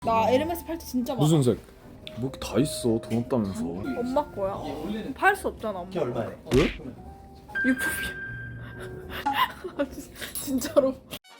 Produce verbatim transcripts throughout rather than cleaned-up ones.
나 에르메스 팔찌 진짜 많아. 무슨 색? 뭐 이렇게 다 있어. 돈 없다면서. 엄마 거야. 팔 수 없잖아 엄마. 이게 얼마야? 왜? 유품이야. 진짜로.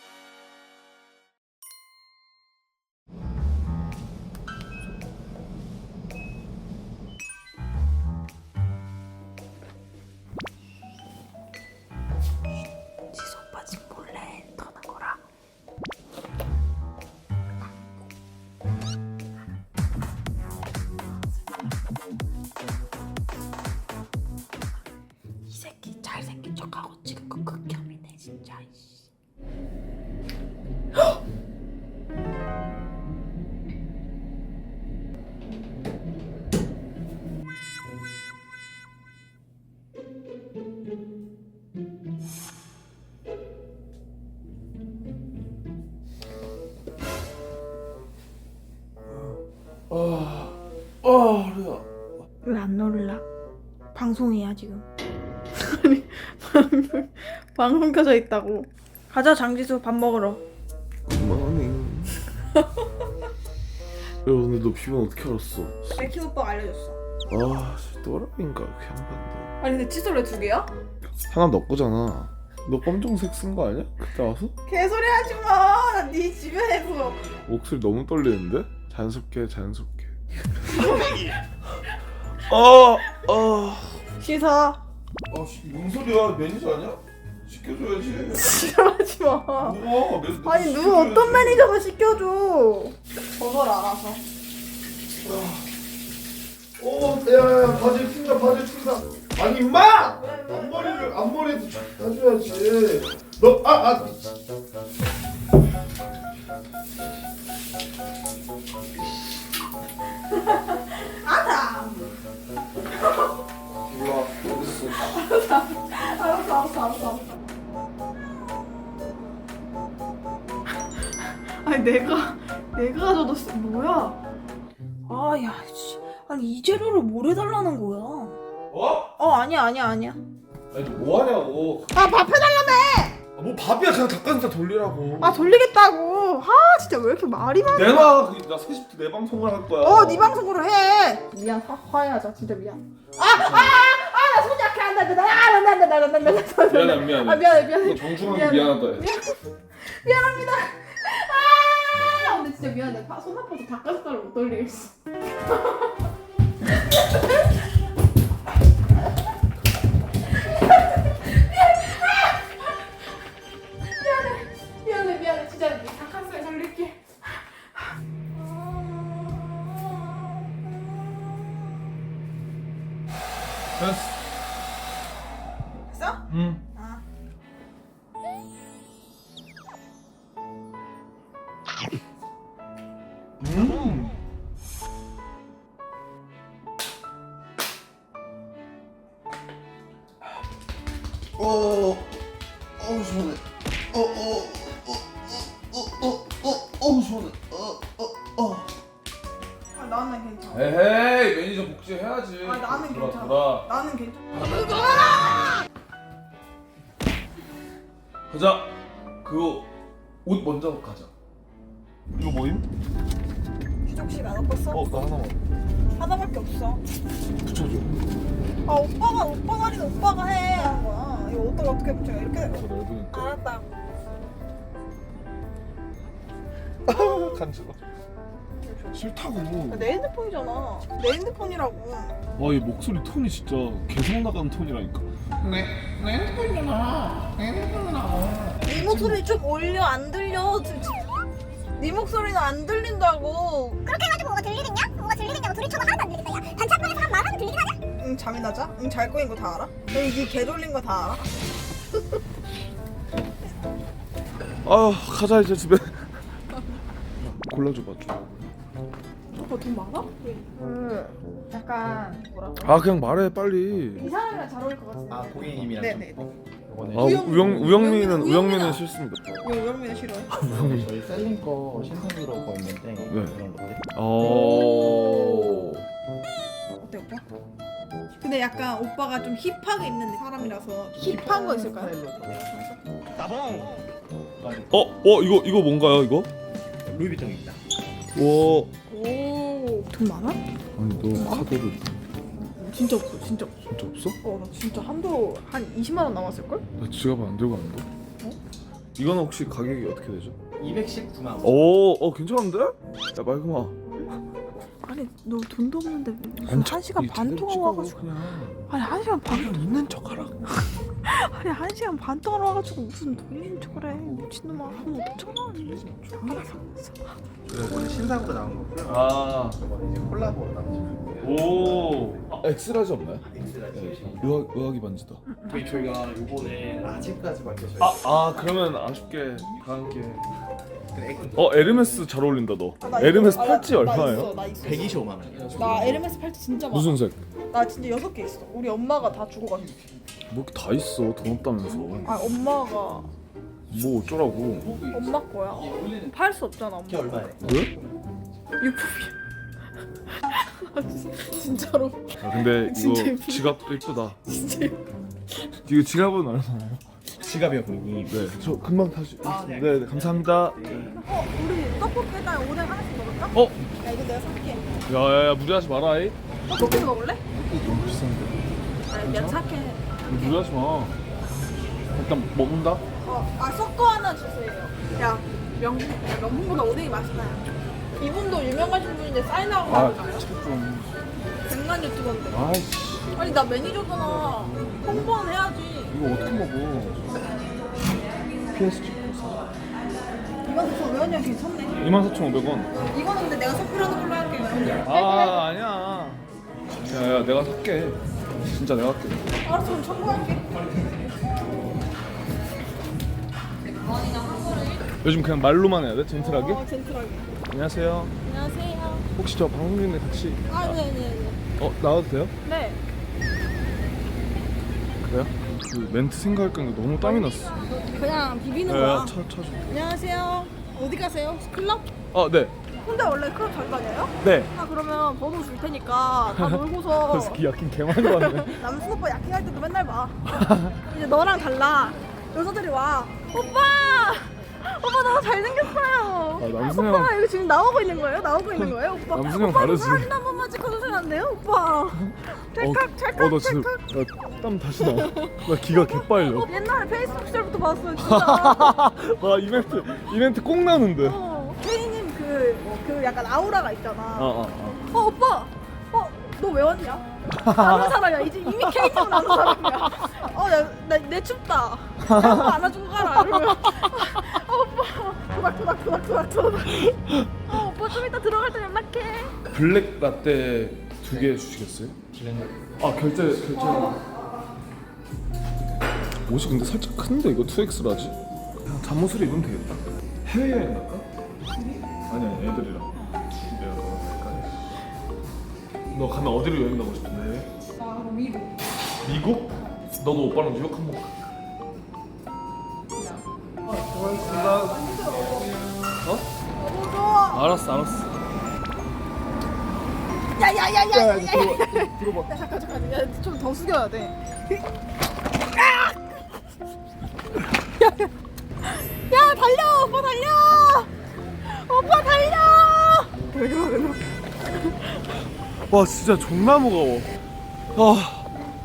지수 오빠 집 몰래 터는 거라. 이 새끼 잘생긴 척하고 지금 그 극혐이네 진짜. 아, 아, 허리야. 왜 안 놀라? 방송이야 지금. 아니 방송 방송 켜져 있다고. 가자 장지수 밥 먹으러. 그만해. 야, 근데 너 비번 어떻게 알았어? 맥키 오빠가 알려줬어. 아, 진짜 또라이인가 그 양반도. 아니 근데 칫솔 왜 두 개야? 하나 너 거잖아. 너 검정색 쓴 거 아니야? 그때 와서? 개소리 하지 마. 네 주변에서. 목소리 너무 떨리는데? 자연스럽게, 자연스럽게. 아, 아. 씻어. 아, 씨, 뭔 소리야? 매니저 아니야? 시켜줘야지. 지랄하지 마. 누워. 매, 아니 누가 어떤 매니저가 시켜줘. 벗어라 알아서. 어, 야야야, 바지 튄다, 바지 튄다. 아니 임마! 앞머리를 앞머리도 따줘야지. 너, 아, 아. 아다. 몰라, 어딨어? 알았어 알았어 알았어 알았어. 아니 내가 내가 가져도 쓰- 뭐야? 아야 씨. 아니 이 재료를 뭘 해달라는 거야? 어? 어 아니야 아니야 아니야. 아니 뭐 하냐고. 아 밥 해달라며. 아, 뭐 밥이야, 그냥 닭가슴살 돌리라고. 아 돌리겠다고. 아 진짜 왜 이렇게 말이 많아? 내놔. 그, 나 세 시부터 내 방송을 할 거야. 어 네 방송으로 해. 미안 화, 화해하자 진짜 미안. 아아아나 손 약해 안돼 안돼 안돼 안돼 안돼 안돼 안돼. 미안해, 미안해. 아 미안해 미안해. 너 정중하게 미안하다. 해. 미안, 미안합니다. 아 근데 진짜 미안해. 파- 손 아파서 닭가슴살을 못 돌리겠어. 미안해 미안해 미안해 진짜 닭가슴살 돌릴게. 됐어. 됐어? 응. 아. 음. 어, 어, 어, 시원해. 어, 어, 어, 어, 어, 어, 어, 시원해. 어, 어, 어. 아 나는 괜찮아. 에헤이, 매니저 복지해야지. 아 나는 돌아, 괜찮아. 돌아. 나는 괜찮아. 가자. 그거 옷 먼저 가자. 이거 뭐임? 휴족식 안 갖고 있어? 어, 나 하나만. 하나밖에 없어. 붙여줘. 아 오빠가 오빠 말이는 오빠가 해 하는 거야. 이거 어떻게 어떻게 붙여? 이렇게. 더 넓으니까. 알았다. 아, 간지러. 싫다고. 내 핸드폰이잖아. 내 핸드폰이라고. 와, 얘 목소리 톤이 진짜 개성 나가는 톤이라니까. 내, 내 핸드폰이잖아. 내 핸드폰이잖아. 네 목소리 좀 올려 안 들려. 네 목소리는 안 들린다고. 그렇게 해가지고 뭐가 들리겠냐? 뭐가 들리겠냐고 둘이 쳐도 하나도 안 들리겠다. 야 단짝방에서 한 말하면 들리긴 하냐? 응 잠이 나자? 응 잘 거인 거 다 알아? 응 네 돌린 거 다 알아? 아, 가자 이제 집에. 골라줘봐 좀. 오빠 돈 많아? 그 약간 뭐라고? 아, 그냥 말해 빨리. 이 사람이랑 잘 어울릴 것 같은데. 아 고객님이랑 네네. 좀 요거는 아, 우영- 우영 우영민은 우영민은- 우영민은 싫습니다. 이거 영민이 싫어해. 저희 셀링 거 신상으로 거 있는데 그런 것들. 어. 어때 오빠? 근데 약간 오빠가 좀 힙하게 입는 사람이라서 힙한 거 있을까요? 따봉. 어, 어 이거 이거 뭔가요 이거? 루이비통입니다. 와. 오, 돈 많아? 아니 너 카드를 진짜 없어, 진짜 없어. 진짜 없어? 어, 나 진짜 한도 한 이십만 원 남았을걸? 나 지갑 안 들고 왔는데. 어? 이거는 혹시 가격이 어떻게 되죠? 이백십구만 원. 오, 어 괜찮은데? 야 말그마. 아니, 너 돈도 없는데 무슨 안 한 시간 이 반 제대로 동안 찍어, 와가지고. 그냥. 아니, 한 시간 반, 그냥 있는 척하라. 아니, 한 시간 반 동안 와가지고 무슨 돈 있는 척을 해. 미친놈아, 한 오천 원. 알았어, 알았어. 원래 신상으로 나온 거고요. 아, 이거는 이제 콜라보로 나온 오. 아, 엑스라지 없나요? 엑스라지. 네. 의학 의학이 반지다. 저희 저희가 요번에 아직까지밖에 저희 아, 아 그러면 아쉽게 다 함께. 그 액- 어 에르메스 잘 어울린다 너. 아, 나 에르메스 있어. 아, 팔찌 나- 나 얼마예요? 있어, 나 있어. 백이십오만 원. 나 에르메스 팔찌 진짜 많아. 무슨 색? 나 진짜 여섯 개 있어. 우리 엄마가 다 주고가지고. 뭐 이렇게 다 있어 돈 없다면서. 아, 엄마가 뭐 어쩌라고? 엄마 거야. 팔 수 없잖아, 엄마. 이게 얼마예요? 왜? 유품이야. 진짜로. 아 근데 진짜 이거 예쁘다. 지갑도 이쁘다. 진짜. 이거 지갑은 얼마나요? 지갑이요, 고객님. 네, 저 금방 다시. 아, 네. 네, 네 감사합니다. 어, 우리 떡볶이에다 오뎅 하나씩 먹을까? 어, 야, 이거 내가 살게. 야야야 무리하지 마라. 이. 떡볶이 먹을래? 너무 비싼데. 아니, 내가 살게. 무리하지 마. 일단 먹는다. 어, 아, 섞어 하나 주세요. 야, 명, 야, 명품보다 오뎅이 맛있나요? 이분도 유명하신 분인데 사인하고 아, 가볼까요? 책 좀. 백만 유튜버인데. 아이씨, 아니, 나 매니저잖아. 홍보는 해야지. 이거 어떻게 먹어? 피에스지. 이만 사천오백 원이면 괜찮네. 이만 사천오백 원. 이거는 근데 내가 선물하는 걸로 할게요. 아, 아니야. 야야, 내가 살게. 진짜 내가 할게. 알았어, 그럼 청구할게. 요즘 그냥 말로만 해야 돼? 젠틀하게? 어, 젠틀하게. 안녕하세요. 안녕하세요. 혹시 저 방송 중인데 같이 아, 네네네. 어 나와도 돼요? 네. 그래요? 그 멘트 생각할 건데 너무 땀이 났어. 그냥 비비는 거야. 야야, 차, 차 좀. 안녕하세요. 어디 가세요? 클럽? 아, 네. 근데 원래 클럽 잘 다녀요? 네. 아, 그러면 번호 줄 테니까 다 놀고서 그래서 기 약긴 개 많이 왔네. 남순 오빠 야킹할 때도 맨날 봐. 이제 너랑 달라. 여자들이 와. 오빠! 오빠 너무 잘생겼어요. 아, 남순 형. 오빠 이거 지금 나오고 있는 거예요? 나오고 있는 거예요? 오빠. 남순 형 오빠 다르지. 사진 한 번만 찍어주시면 안 돼요? 오빠. 찰칵 찰칵 어, 나 지금 찰칵. 야, 땀 다시 나. 나 기가 개빨려. 어, 옛날에 페이스북 시절부터 봤어요 진짜. 와 이벤트 이벤트 꼭 나는데. 어, 어, 케이님 그, 그 약간 아우라가 있잖아. 어, 어. 어 오빠, 어 너 왜 왔냐? 아는 사람이야. 이제 이미 케이님은 아는 사람이야. 어나내 춥다. 나 오빠 안아주고 가라. 이러면 아, 오빠 도박 도박 도박 도박 도박. 어 오빠 좀 이따 들어갈 때 연락해. 블랙 라떼 두 개 주시겠어요? 아 결제 결제. 옷이 근데 살짝 큰데 이거 투 엑스라지? 그냥 잠옷을 입으면 되겠다. 해외여행 갈까? 아니 아니 애들이랑. 내가 너랑 갈까? 너 가면 어디로 여행 가고 싶은데? 나 그럼 미국. 미국? 너도 오빠랑 뉴욕 한번 가. 고맙습니다. 어? 너무 좋아. 알았어 알았어. 야야야야야. 들어봐 들어봐. 야 잠깐 잠깐. 야좀 더 숙여야 돼. 야 달려 오빠 달려. 오빠 달려. 왜 그러 왜 그러. 와 진짜 존나 무거워. 아.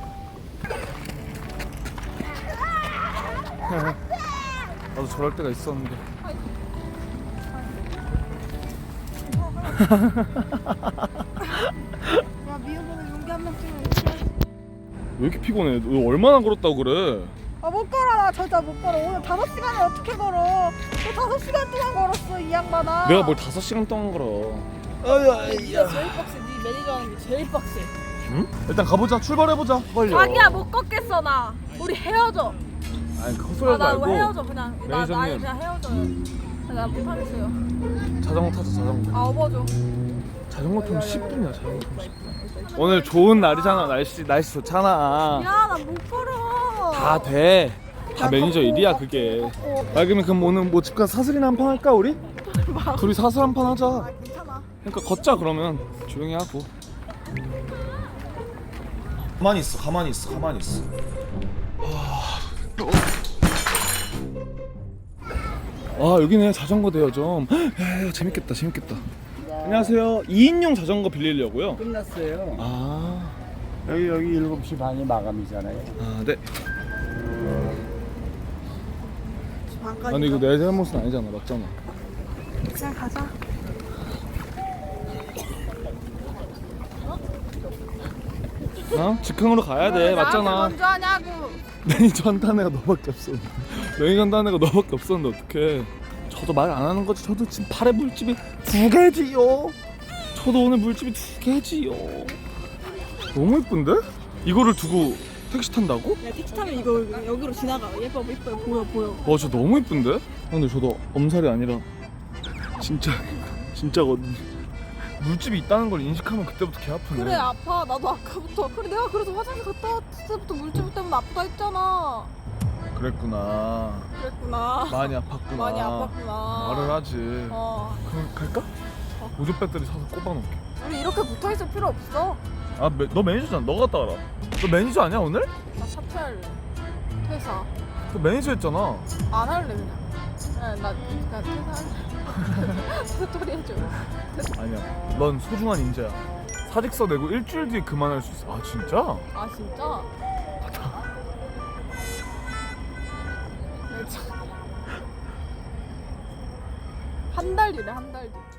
나도 저럴 때가 있었는데. 야 미역은 용기 한 명쯤은 있어야지. 왜 이렇게 피곤해? 너 얼마나 걸었다고 그래? 아못 걸어 나 진짜 못 걸어. 오늘 다섯 시간을 어떻게 걸어? 너 다섯 시간 동안 걸었어 이 양반아. 내가 뭘 다섯 시간 동안 걸어. 네가 제일 빡세. 네 매니저 하는 게 제일 빡세. 응? 일단 가보자. 출발해보자. 빨리. 자기야 못 걷겠어 나. 우리 헤어져. 아니 헛소리 하지 아나 말고. 헤어져 그냥. 나 나 매니저님. 그냥 헤어져요. 나 못하겠어요. 자전거 타자 자전거. 아 업어줘. 자전거 타면 십 분이야. 자전거 타면 십 분. 오늘 좋은 날이잖아. 날씨 날씨 좋잖아. 야 나 못 걸어. 다 돼. 다 야, 매니저 걷고, 일이야 걷고, 그게. 걷고. 아 그러면 그럼 오늘 뭐 집 가서 사슬이나 한 판 할까 우리? 둘이 사슬 한 판 하자. 아 괜찮아. 그러니까 걷자 그러면 조용히 하고. 가만히 있어, 가만히 있어, 가만히 있어. 아 여기네 자전거 대여점. 야, 야 재밌겠다, 재밌겠다. 안녕하세요. 이 인용 자전거 빌리려고요. 끝났어요. 아, 여기 여기 일곱 시 반이 마감이잖아요. 아 네. 반까지. 아니 이거 내 잘못은 아니잖아, 맞잖아. 그냥 가자. 어? 직항으로 가야 돼, 왜 나한테 맞잖아. 먼저 하냐고. 매니저 한다는 애가 너밖에 없어. 매니저 한다는 애가 너밖에 없었는데 어떡해. 저도 말 안 하는 거지. 저도 지금 팔에 물집이 두 개지요. 저도 오늘 물집이 두 개지요. 너무 예쁜데? 이거를 두고 택시 탄다고? 야 택시 타면 이거 여기로 지나가. 예뻐 예뻐 보여 보여. 와, 저 너무 예쁜데? 근데 저도 엄살이 아니라 진짜 진짜거든. 물집이 있다는 걸 인식하면 그때부터 개 아프네. 그래 아파. 나도 아까부터. 그래 내가 그래서 화장실 갔다 왔을 때부터 물질 때문에 아프다 했잖아. 그랬구나. 그랬구나. 많이 아팠구나. 많이 아팠구나. 말을 하지. 어. 그럼 갈까? 어. 보조 배터리 사서 꼽아놓을게. 우리 이렇게 붙어 있을 필요 없어. 아, 매, 너 매니저잖아. 너 갔다 와라. 너 매니저 아니야 오늘? 나 사퇴할래. 퇴사. 너 매니저 했잖아. 안 할래 그냥. 네, 나 그냥 퇴사할래. 스토리 해줘. 아니야. 넌 소중한 인재야. 사직서 내고 일주일 뒤에 그만할 수 있어. 아 진짜? 아 진짜? 한 달 뒤래 한 달 뒤.